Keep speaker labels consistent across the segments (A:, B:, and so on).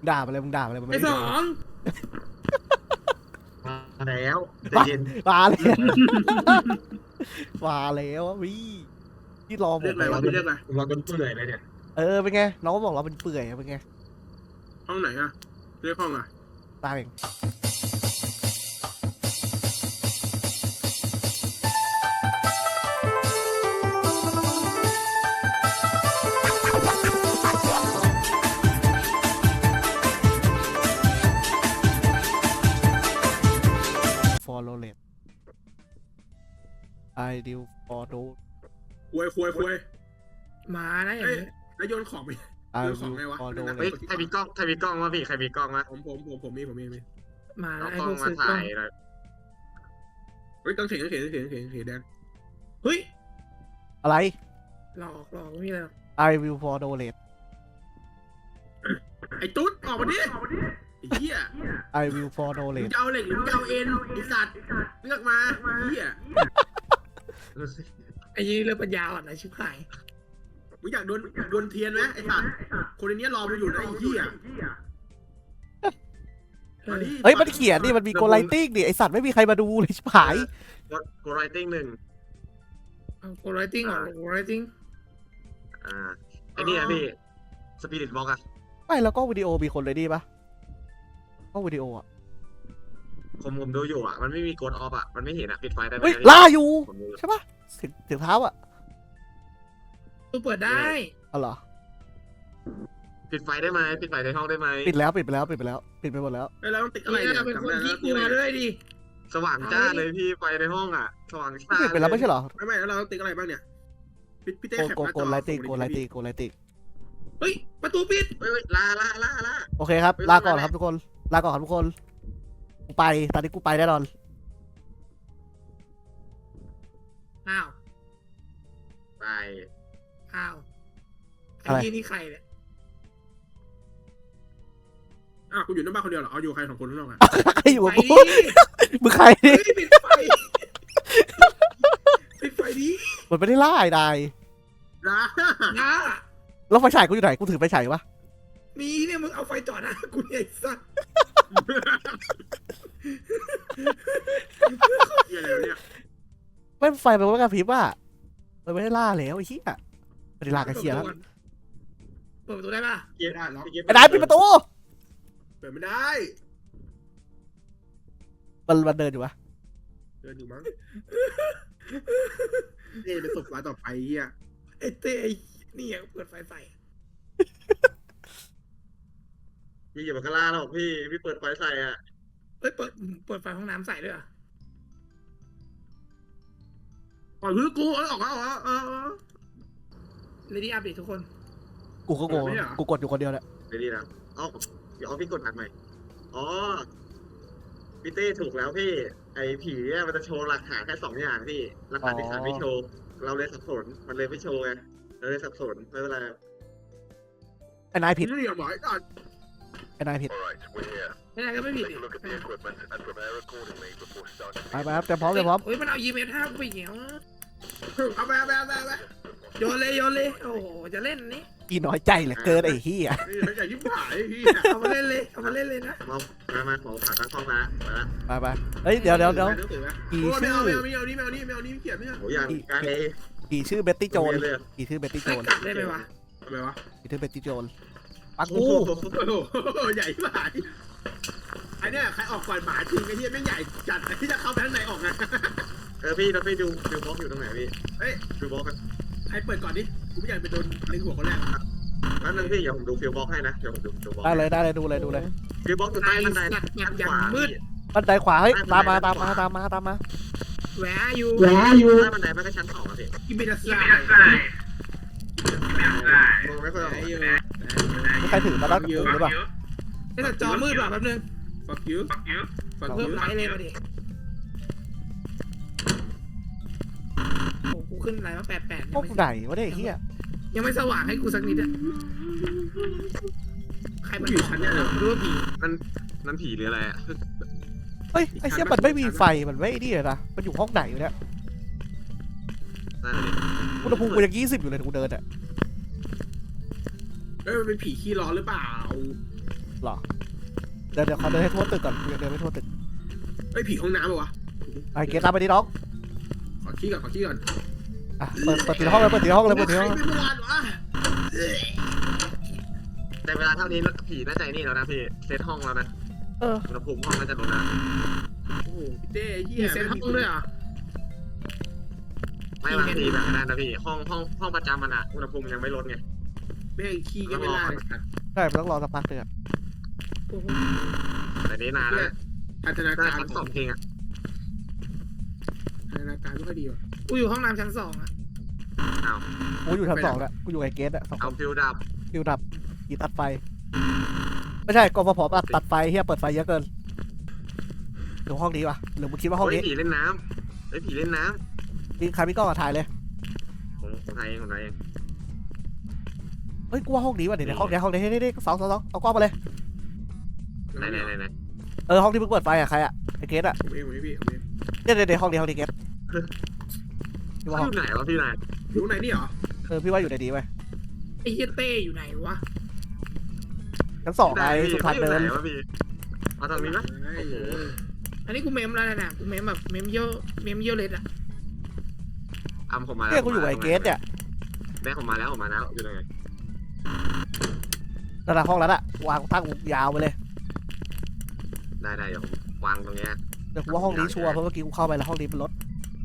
A: ด่าไปเลยมึงด่าไปเลยมัน
B: ไอ้
A: ไม่
B: ส
A: ได้
B: อง
C: มาแล้วใจเย็น
A: มาแล้วมาแล้วพี่ที่รอผ
B: เรีย
A: ม
B: กอะไรวะพี่เรียกอะไร
C: เราจนเปื่อยเลยเนี่ย
A: เป็นไงน้องก็บอกเราเป็นเปื่อยเป็นไง
B: ห้องไหนอะเรียกห้องอะ
A: ตามเองฟอลโลเลตไอดิวฟอลโล
B: ควย
D: มานะอย่าง
B: เอ้ย
D: นี้
B: แล้วโยนของไป
A: ไอ
B: เรื่องข
A: ดิ
B: อง
A: ว
B: ไงวะ
A: ฟอลโลเล
C: เฮ้ย
A: ต
C: ใครมีกล้องวะพี่ใครมีกล้องวะ
B: ผมมี
D: มา
C: เอา
D: นะไอ้
C: กล้อ
D: พ
C: ง
D: วก
C: มา
D: ซื้อกล้
C: ถ่า
D: อง
C: ยหน่อย
B: เฮ้ยต้องเขียนแดง
D: เฮ้ย
A: อะไร
D: หลอกไม่มีอะไรหรอก
A: I will for donate
B: ไอ้ตุ๊ดออกมาดิไอ้เหี้ย
A: I will for
B: มึง
A: donate
B: จะเอาเหล็กหรือมึงจะเอาเอ็นไอ้สัตว์เลือกมาเหี้ย
D: ไอ้ยี่เรื่องปัญญาอ่อนนะชิบหาย
B: มึงอยากโดนเทียนไหมไอ้สัตว์คนในนี้รอมึงอยู่นะไอ้เหี้ย มาดิ
A: เฮ้ยมันเขียนนี่มันมีโกไลติ้งดิไอสัตว์ไม่มีใครมาดูเลยชิบหาย
C: กดไรติ้งหนึ่ง
D: โกไรติ้งเหรอโกไรติ้ง
C: ไอ้นี่อะพี่สปิริตบล็อกอะ
A: ไม่แล้วก็วิดีโอมีคนเลยดีปะก็วิดีโออ่ะ
C: ผมดูอยู่อะมันไม่มีกดออฟอะมันไม่เห็นอะปิดไฟได้ไหม
A: เฮ้ยล่าอยู่
C: ผมดู
A: ใช่ปะเสียงเท้าอ่ะ
D: ตัวเปิดได้
A: อ๋อเหรอ
C: ปิดไฟได้ไหมปิดไฟในห้องได้ไหม
A: ปิดแล้วปิดไปแล้วปิดไปแล้วปิดไปหมดแล้ว
B: เฮ้ยเราต้องติดอะไร
D: นี่
B: เนี่ย
D: เป็นคน
B: จำได้
D: ที่
B: แล้ว
D: กูมาด้วยดิ
C: สว่างจ้าเลยพี่ไฟในห้องอะสว่างจ้า
A: ปิดไปแล้วไม่ใช่เหรอ
B: ไม่แล้วเราต้องติดอะไรบ้างเนี่ยพี่เต้
A: โก
B: แคป
A: โก
B: หน้า
A: โก
B: จอ
A: ไลติ้ง
B: ส่
A: โก
B: มา
A: ไล
B: ดิ
A: ติ้งโกไลติ้ง
D: เฮ้ยประตูปิด
C: เฮ้ยลา
A: โอเคครับลาก่อนครับทุกคนลาก่อนครับทุกคนกูไปตอนนี้กูไปแน่นอน
D: อ้าว
C: ไป
D: อ้าวไอ้ยี่นี่ใครเนี่ย
B: อ้าวกูอยู่ในบ้านคนเดียวเหรอเอาอยู่ใครสองคนข้างนอกอะ
A: ใครอยู่กับ
D: ไป
A: กู
D: ดิ
A: มึงใคร
D: เฮ้
A: นี่
D: ยปิดไฟปิดไฟดิ
A: มันไม่ได้ล่าไอ้นาย
B: นะ
D: นะ
A: แล้วไฟฉายกูอยู่ไหนกูถือไฟฉายวะ
D: มีเนี่ยมึงเอาไฟจ่อหน้ากูเนี่ยไอ้สัส
B: เหี้ยอะไรวะเนี่ย
A: ไม่ไฟมันไม่กระพริบอ่ะมันไม่ได้ล่าแล้วไอ้เหี้ยไม่ได้ล่ากันเชียร์แล้ว
D: เปิดประตูได้ป่ะ
C: เกียร์
B: ได้เหรอ
A: ไอ้นายปิดประตู
B: เปิดไม่ได้
A: มันเดินอยู่วะ
B: เดินอยู่มั้งนี่เป็นศพรายต่อไปเฮีย
D: ไอ้เต้ไอ้นี่ยังเปิดไฟใส่
C: พี่อย่ามาข้างล่างหรอกพี่เปิดไฟใส่อะ
D: เฮ้ยเปิดไฟห้องน้ำใส่ด้วยเหรอ่ะ
B: ปล่อยพื้นกูออกมา
D: เลดี้อัปเดตทุกคน
A: กูก็โง่กูกดอยู่คนเดียวแหละ
C: ไปดีนะเดี๋ยวพี่กดอัดใหม่อ๋อพี่เต้ถูกแล้วพี่ไอ้ผีเนี่ยมันจะโชว์หลักฐานแค่2 อย่างพี่หลักฐานที่ขาดไม่โชว์เราเลยสับสนมันเลยไม่โชว์ไงเราเลยสับสนไม่เป็นไร
A: ไอ้นายผิด
B: นี่อย่าบอกไอ้ก่อน
A: ไอ้นายผิด
D: ไม่ได้ก็ไม่ผิดดิ
A: ไปครับเตรียมพร้อมเตรียมพร้อม
D: เฮ้ยมันเอาEMF5กูไปเหี่ยว
B: เอาไป
D: โยนเลยโอ้โหจะเล่นนี้
A: อีน้อยใจเหลือเกินไอ้เหี้ย
B: นี่อย่ายิ้มหายพี่
D: เอามาเล่นเลยนะ
C: มาขอขาตั้งห้องนะมาละ
A: ไปเฮ้ยเดี๋ยว
B: โอ้
A: กี่
B: ไม่
A: ชื่อ
B: เอานี่เขียนไม่เอา
C: โหอย่างไกล
A: กี่ชื่อเบ็ตตี้โจน
C: เลย
A: กี่ชื่อเบ็ตตี้โจ
D: ให้
A: น
D: กลับได้ไหมวะ
B: ทำไมวะ
A: กี่ชื่อเบ็ตตี้โจนปัก
C: โอ้
A: กู
C: โห
B: โอ้โหใหญ่หายไอ้เนี่ยใครออกก่อนหมาจริงไอ้เนี่ยไม่ใหญ่จัดที่จะเข้าไปข้างในออกไง
C: พี่เราไปดูฟิลบล็อกอยู่ตรงไหนพี่
B: เฮ้ย
C: ฟิลบล็อกกัน
B: ใครเปิดก่อนดิกูไม่อยากไปโดนเล็งหัวคนแรก
C: นั่นนึงพี่เดี๋ยวผมดูฟิลบล็อกให้นะเดี๋ยวผมดูฟิลบล็อก
A: ได้เลยดูเลย
C: ฟิลบล็อกอยู่ใต้บันได
D: สัตว์แบบอย่างมืด
A: บันไดขวาเฮ้ยตามมา
D: แหวอยู่
C: ใต้บันไดมันก็ชั้น2อะพี่
B: กินเบลซ่าม
C: องไม่ค่อยออก
B: อยู่
A: มีใครถือมาแล้วกูหรือเปล่า
D: ไอ้แต่จอมืดว่ะแป๊บนึง
B: fuck you fuck
D: เพิ่
B: you
D: มไลท์เลยมาดิโอ้กูขึ้นไลน์มา88
A: พวกไหนวะเนี่ยไอ้เหี้ย
D: ยังไม่สว่างให้กูสักนิดอะใครมัน
B: อยู่ชั้นเนี่ยเหรอ
D: รู้ว่าผี
C: นั่นผีหรืออะไรอะ
A: เฮ้ยไอ้เหี้ยมันไม่มีไฟมันไม่นี่เลยนะมันอยู่ห้องไหนอยู่เนี่ย
C: นั่นเลย
A: อุณหภูมิกูยัง20อยู่เลยกูเดินอ่ะ
B: เอ้ยมันเป็นผีขี้ร้อนหรือเปล่า
A: หรอเดี๋ยวขอเดินให้ทั่วตึกก่อนเดินไม่ทั่วตึก
B: ไอ้ยผีห้องน้ำปะวะ
A: ไอ้เกตตามไปดิน้อง
B: ขอขี้ก่อนขอขี้ก่อน
A: อ่ะเปิดทีละห้องเลยเปิดทีละห้องเลยเปิดทีละห้อง
B: ใครไม่เมื่อวานวะ
C: แต่เวลาเท่านี้ผีน่าใจนี่แล้วนะพี่เซตห้องแล้วนะ
A: เออ
C: อุณหภูมิห้องน่าจะลดแล้ว
B: โอ้โหพี่เต้ไอ้เหี้
D: มี
B: ย
D: เซ็ตห้องด้วยเหรอ
C: ไม่บางทีแบบนั้นนะพี่ห้องประจำมันอะอุณหภูมิยังไม่ลดไง
B: แม่งขี้ก็ไม่ได้เลยสัตว์
A: ใช่มันต้องรอสักพักเลยอะ
D: โอ้โห
C: แต่นี้นานแล้ว
B: พัฒนา
C: ได้
B: การ
C: ชั้นสองเพลงอะ
B: พัฒนาการไม่ค่อยดีว่ะ
D: กูอยู่ห้องน้ำชั้น2อ่ะ
C: เอา
A: กูอยู่ชั้น2แล้วกูอยู่ไอ้เกตอะสองค
C: เอา
A: น
C: ฟิวดับ
A: ฟิวดับกีตัดไฟไม่ใช่กฟผตัดไฟเฮียเปิดไฟเยอะเกินหรือห้องนี้วะหรือมึงคิดว่าห้อง
C: เฮ้ย
A: นี้
C: ผีเล่นน้ำเฮ้ยผีเล่นน้
A: มีใครมีกล้องอะถ่ายเลย
C: ำของไทยของไทย
A: เฮ้ยกูว่าห้องนี้ว่ะเดี๋ยวห้องนี้นี่สองเอากล้องมาเลย
C: ไหน
A: ห้องที่เพิ่งเปิดไฟอะใครอะไอ้เกตอะ
B: ผมเองพี่ผมเอง
A: เดี๋ยวห้องนี้เกตพี่ว่าห้อง
C: อยู่ไหนวะพี่นาย
B: อยู่ไหนนี่เหรอ
A: พี่ว่าอยู่ในดีไว้
D: ไอ้เหี้ยเต้อยู่ไหนวะ
A: ชั้น2ไงสุพรรณเดิน
C: ไหนวะพี่เอาทางนี้ไหม
B: ไอ้เหี้ย
D: อันนี้กูเมมแล้วนะกูเมมแบบเมมเยอะเลยอ่ะ
C: อำผมมาแล้ว
A: เนี่ยกูอยู่ไอ้เกตเนี่ย
C: แม่ผมมาแล้วอยู่ไหน
A: นั่นแหละห้องนั้นอะวางตั้งยาวไปเลย
C: ได้เดี๋ยวผมวางตรงเนี้ย
A: เดี๋ยวกูว่าห้องนี้ชัวร์เพราะเมื่อกี้กูเข้าไปแล้วห้องนี้เป็นรถ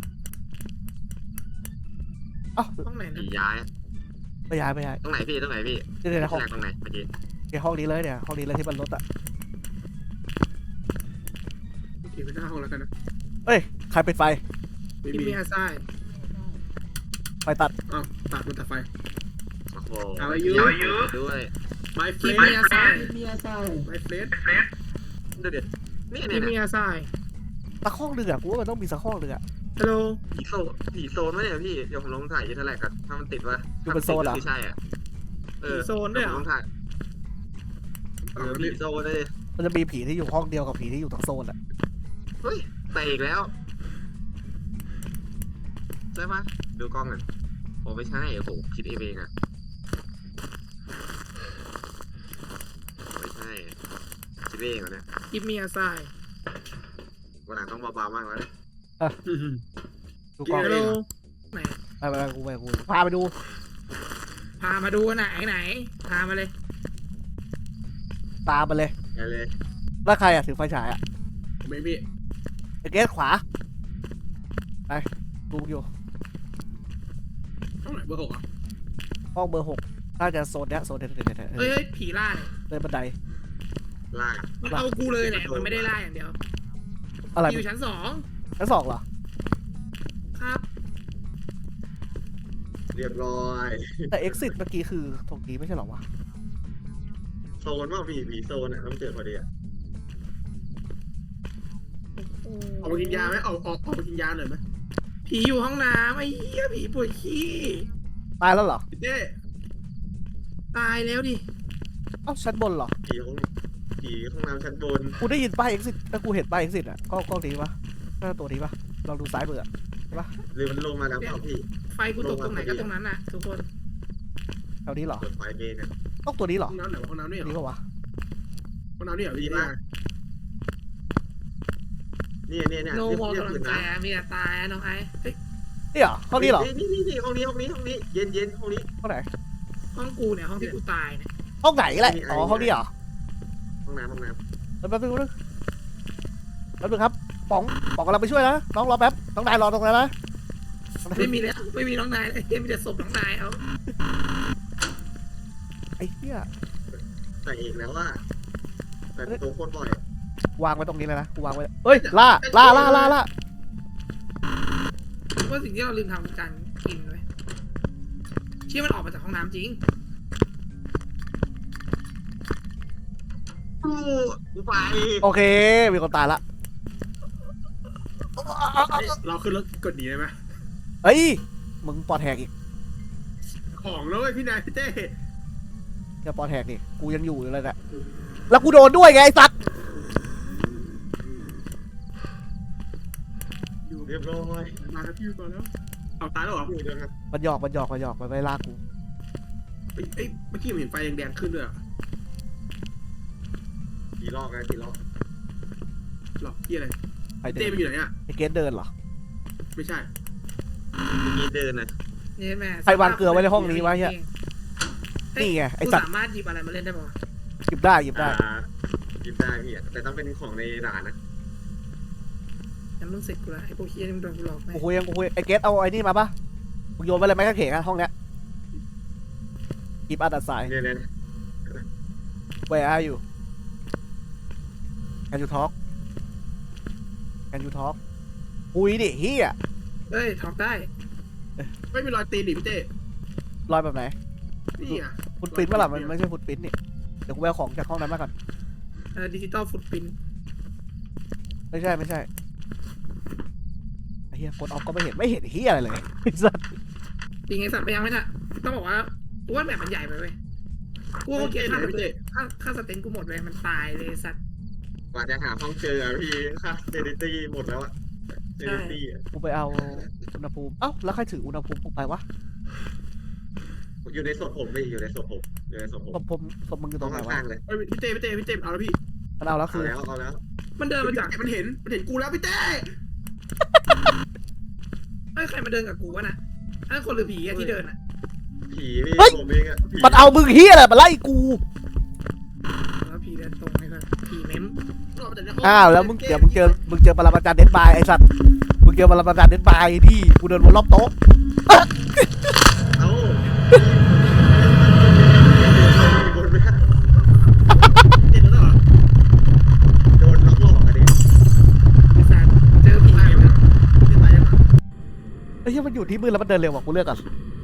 A: อ้าว
D: ห้องไหนนะ
C: ผีย้าย
A: ไม่ย้าย
C: ตรงไหนพี่ตรงไหนพี่
A: เดี๋ยวห้อง
C: แรกตรงไหนเมื่อกี้
A: ห้องนี้เลยเนี่ยห้องนี้เลยที่มันรถอะ
B: โอเคไปหน้าห้องแล้วกันนะ
A: เอ้ยใครปิดไฟ
B: ไม่
D: กิน
B: มี
D: เมียไส้
A: ไฟตัด
B: อ้าวตัดมันตัดไฟ
C: โอ้โห
B: เอาอายุ
C: ด้วย
B: My
D: กิน
B: friend
D: เมียไส้
B: My friend
C: เดี๋ยวนี่
D: กินเมียไส้
A: สักห้องหนึ่งอะกูว่ามันต้องมีสักห้องหนึ่งอะ
D: ฮัลโหล
C: ผีโซนไหมเนี่ยพี่เดี๋ยวผมลองถ่ายยูทแลกกันถ้ามันติดวะ
A: อยู่เป็นโซนเหรอ
C: ใช่อ่ะ
D: โซนด้วยเหร
C: ผม
D: อ
C: ลองถ่ายผีโซนเลย
A: มันจะมีผีที่อยู่ห้องเดียวกับผีที่อยู่ทั้งโซนอะ
C: เฮ้ยแต่อีกแล้วใช่ปะดูกล้องหน่อยโอ้ไม่ใช่โอ้โหคิดเองอ่ะไม่ใช่คิดเองเหรอเนี่ย
D: กินเมียไส้
C: วันหลังต้องเบาๆมากแล้วเนี่ย
A: ดูกล้อง
D: ฮัลโหลไหน
A: ไปกูพาไปดู
D: พามาดูไหนพามาเลย
A: ตามมาเลย
C: ไปเลย
A: แล้วใครอะถือไฟฉายอะ
B: ผมไม่มี
A: ไอ้เกตขวาไปดูอยู่
B: ห้องไหนเบอร์ 6อ่ะ
A: ห้องเบอร์ 6น่าจะโซนเนี้ยโซนเนี้ย
D: เฮ้ยผีล่าเนี่ย
A: เดินบันได
C: ลาก
D: มันเอากูเลยเนี่ยมันไม่ได้ล่าอย่างเดียว
A: อะไร
D: อยู่ชั้น
A: ชั้น 2เหรอ
D: 2ครับ
C: เรียบร้อย
A: แต่ exit เมื่อกี้คือตรงนี้ไม่ใช่เหรอวะ
C: โซนว่าผีโซนอ่ะต้องเจอพอดีอ่ะ
B: ออกมากินยาไหมออกมากินยาหน่อยไหม
D: ผีอยู่ห้องน้ำไอ้เหี้ยผีปวดขี้
A: ตายแล้วเหรอ
B: พี่เต้
D: ตายแล้วดิ
A: เอ้าชั้นบนเหรอ
C: ผีห้องน้ำชั้นบน
A: กูได้ยินป้าย exit แต่กูเห็นป้าย exit อะกล้องนี้ปะน่าตัวนี้ปะลองดูซ้ายมืออะ
C: หรือมันลงมาแล้วเปล่าพี่
D: ไฟกูตกตรงไหนก็ตรงนั้นน่ะทุกคน
A: แถวนี้เหรอ
C: เปิดไฟเมนเนี่ย
A: ต้องตัวนี้เหรอ
B: ห้องน้ำไหนวะห้องน้ำนี่เหร
A: นี่
B: อ
A: ปะวะ
B: ห้องน้ำนี่เหรอพี่
C: ดี
B: เต้
C: มากเนี่ย
D: โนมอง
C: เรียบ
D: กำลั
C: อยู่
D: งใจ
C: นะ
D: อะมีแต่ตายอะน้องไอ้เฮ้ย
A: นี่เหรอห้องนี้เหรอ
C: นี่ห้องนี้เย็นห้องนี้
A: ห้องไหน
D: ห้องกูเนี่ยห้องที่กูตายเนี่ย
A: ห้องไหนแหละอ๋อห้องนี้เหรอ
C: ห้องน้ำ
A: แป๊บนึงครับป๋องกำลังไปช่วยนะน้องรอแป๊บน้องนายรอตรงนั้นนะ
D: ไม่มีแล้วไม่มีน้องนายเลยมีแต่ศพน้องนายเอา
A: ไอ้เหี้ย
C: แต่อีกแล้วว่าแต่ตัวโคตรบ่อยว
A: างไว้ตรงนี้เลยนะกูวางไว้เฮ้ยล่า
D: ว่าสิ่งที่เราลืมทำคือการกินไว้เชื่อมันออกมาจากห้องน้ำจริง
C: กูไป
A: โอเคมีคนตายละ
B: เราขึ้นรถกดหนีได้ไหม
A: เฮ้ยมึงปอดแหกอีก
B: ของแล้วเว้ยพี่นายพี่เต้
A: อย่าปอดแหกดิกูยังอยู่เลยแหละแล้วกูโดนด้วยไงไอ้สัตว์
C: เรียบร้อย
B: มาแล้วพี่ก่อนแล้วเอาตายแล้วเหรอ
C: อยู่ยังไง
A: มันหยอกมันไม่ลากกู
B: เอ้ยเมื่อกี้ผมเห็นไฟแดงๆขึ้นด้วยอะ
C: ลอกนะผีลอก
B: หรอที่อะไร
A: ไปเดิ
B: เต้
A: น
B: มันอยู่ไหนอ่ะ
A: ไอเกสเดินเหรอ
B: ไม่ใช่
C: เมื่อกี้เดินนะ
D: นี่แม่
A: ใครวางเกลือไว้ในห้องนี้วะเหี้ย นี่ไงไอ
D: กู
A: สัตว์
D: สามารถหยิบอะไรมาเล่นได้ปะวะ
A: หยิบได้หยิบได้
C: หยิบได้พี่แต่ต้องเป็นของในด่านนะ
D: ยังต้องเสร็จกูละไอ้พวกเฮียนี่มันโดนกูหลอกไหม
A: กูคุยไอเกสเอาไอ้นี่มาปะมึงโยนไปเลยไหมกางเขนอะห้องเนี้ยหยิบอัดตัดสาย
C: เนี่ย
A: Where are you Can you talk Can you talk คุยดิเฮีย
D: เอ้ยถอกได้
B: ไม่มีรอยตีนดิพี่เต้
A: รอยแบบไหน
B: นี่อ่ะ
A: ฟุตปรินท์ปะล่ะมันไม่ใช่ฟุตปรินท์นี่เดี๋ยวกูไปเอาของจากห้องนั้นมาก่อน
D: ดิจิตอลฟุตปรินท์
A: ไม่ใช่ไอ้เฮียกดออฟก็ไม่เห็นเฮียอะไรเลยไอ้สัส
D: จริงไอ้สัตว์ไปยังไม่น่ะต้องบอกว่ากูว่าแบบมันใหญ่ไปเว้ยกูว่าเกียร์ค่าสเต็นกูหมดเลยมันตายเลยสัตว์
C: กว่าจะหาห้องเจอพี่ค่าเซนิตี้หมดแล้วอะเซนิตี้
A: กูไปเอาอุณหภูมิเอ้าแล้วใครถืออุณหภูมิกูไปวะ
C: อยู่ในศพผมพี่อยู่ในศพผม
A: ศพมึงอยู่ต
C: ต้
A: ร
C: อง
A: งไหนวะ
C: ข้างๆเลย
B: เอ้ยพี่เต้เอาแล้วพี่
A: มันเอาแล้ว
C: เอา
A: คือ
C: แล้วเอาแล้ว
D: มันเดินมาจาก
B: มันเห็นกูแล้วพี่เต้
D: เอ้ยใครมาเดินกับกูวะน่ะไอ้คนหรือผีอะที่เดินอะ
C: ผีพี่ผมเองอะผี
A: มันเอามึงเฮียอะไรมาไล่กู
D: แล้วผีเดินตรงนี่ก็ผีเม้ม
A: อ้าวแล้วมึงเดี๋ยวมึงเจอปรมาจารย์เดดบายไอ้สัตว์มึงเจอปรมาจารย์เดดบายที่กูเดินวนรอบโต๊ะ
C: เอ้าบนไม่ได้
B: เต้นแล้วเหรอ
C: โดนล็อกหลอกอันนี้
D: ไอ้สัตว์เจอผี
B: ตาย
D: เม้
B: ยัง
D: ม
B: เต้ตายยัง
A: ไอ้เหี้ยมันอยู่ที่มือแล้วมันเดินเร็วกว่ากูเลือกก่อน
B: เ